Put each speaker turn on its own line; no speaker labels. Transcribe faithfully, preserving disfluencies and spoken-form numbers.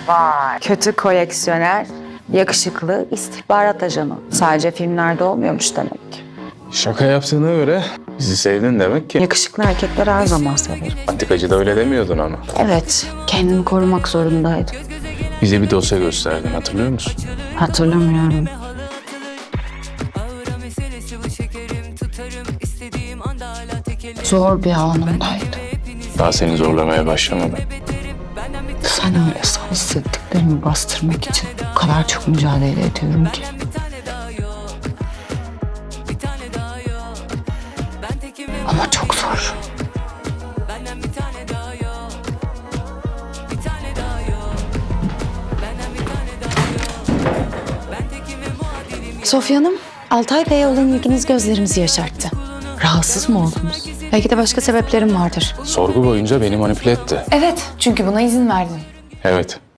Vay. Kötü koleksiyoner, yakışıklı istihbarat ajanı. Sadece filmlerde olmuyormuş demek ki.
Şaka yaptığına göre bizi sevdin demek ki.
Yakışıklı erkekleri her zaman severim.
Antikacı da öyle demiyordun ama.
Evet, kendimi korumak zorundaydım.
Bize bir dosya gösterdin, hatırlıyor musun?
Hatırlamıyorum. Zor bir anımdaydı.
Daha seni zorlamaya başlamadım.
Sen öyle san, hissettiklerimi bastırmak için o kadar çok mücadele ediyorum ki. Ama çok zor. Sofya Hanım, Altay Bey'e olan ilginiz gözlerimizi yaşarttı. Rahatsız mı oldunuz? Belki de başka sebeplerim vardır.
Sorgu boyunca beni manipüle etti.
Evet, çünkü buna izin verdin.
Evet.